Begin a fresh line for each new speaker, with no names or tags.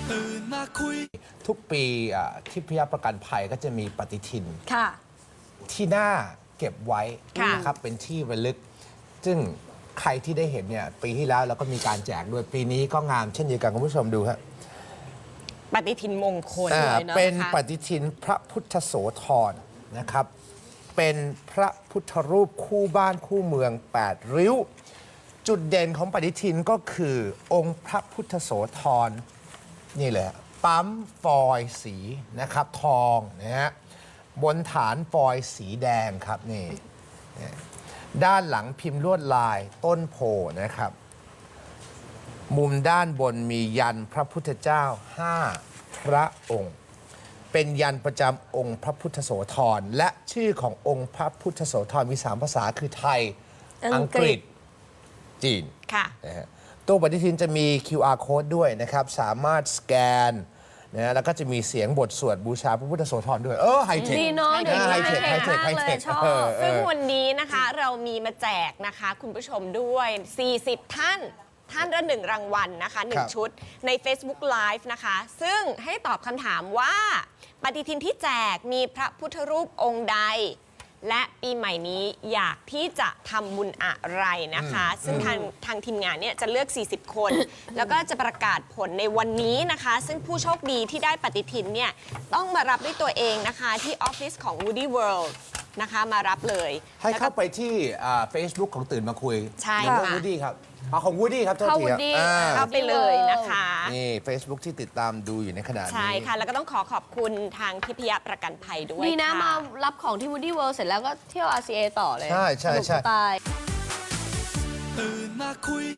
ตื่นมาคุย
ทุกปีที่พิยประกันภัยก็จะมีปฏิทิน
ค่ะ
ที่น่าเก็บไว้
ค่ะ
นะครับเป็นที่ระลึก ซึ่งใครที่ได้เห็นเนี่ยปีที่แล้วเราก็มีการแจกด้วยปีนี้ก็งามเช่นเดียวกันคุณผู้ชมดูครับ
ปฏิทินมงคลเลยเนาะ
เป็นปฏิทินพระพุทธโสธรนะครับ เป็นพระพุทธรูปคู่บ้านคู่เมือง8ริ้ว จุดเด่นของปฏิทินก็คือองค์พระพุทธโสธรนี่เลยปั๊มฟอยล์สีนะครับทองนะฮะบนฐานฟอยล์สีแดงครับนี่ด้านหลังพิมพ์ลวดลายต้นโพนะครับ มุมด้านบนมียันพระพุทธเจ้า5พระองค์ เป็นยันประจำองค์พระพุทธโสธรและชื่อขององค์พระพุทธโสธรมี3ภาษาคือไทยอังกฤษจีน
ค่ะ
นะฮะตัวปฏิทินจะมี QR code ด้วยนะครับสามารถสแกนนะแล้วก็จะมีเสียงบทสวดบูชาพระพุทธโสธรด้วยไฮเทค
ดีเนาะเดี๋ยวนี้
ไฮเทค
ไฮเทค
ไฮ
มาก
เท
เลย
ค
ชอบซึ่งวันนี้นะคะเรามีมาแจกนะคะคุณผู้ชมด้วย 40 ท่านละ1รางวัลนะคะ 1 ชุดใน Facebook Live นะคะ ซึ่งให้ตอบคำถามว่าปฏิทินที่แจกมีพระพุทธรูปองค์ใด และปีใหม่นี้อยากที่จะทำบุญอะไรนะคะ ซึ่งทางทีมงานเนี่ยจะเลือก 40 คน แล้วก็จะประกาศผลในวันนี้นะคะ ซึ่งผู้โชคดีที่ได้ปฏิทินเนี่ยต้องมารับด้วยตัวเองนะคะที่ออฟฟิศของ Woody World นะคะมารับเลย
ให้เข้าไปที่Facebook ของตื่นมาคุย
ใช่
หรือว่า
ค่ะ
Woody ครับของ Woody ครับโทษ
เข้า
ที
Woody
ครับ
เข้าไปเลยนะคะ
นี่ Facebook ที่ติดตามดูอยู่ในขณะนี้
ใช่ค่ะ แล้วก็ต้องขอบคุณทางทิพยประกันภัยด้วย
ดีนะ
ค่
มารับของที่ Woody World เสร็จแล้วก็เที่ยว RCA ต่อเลย
ใช่
สนุกจะตาย
ตื่นมาคุย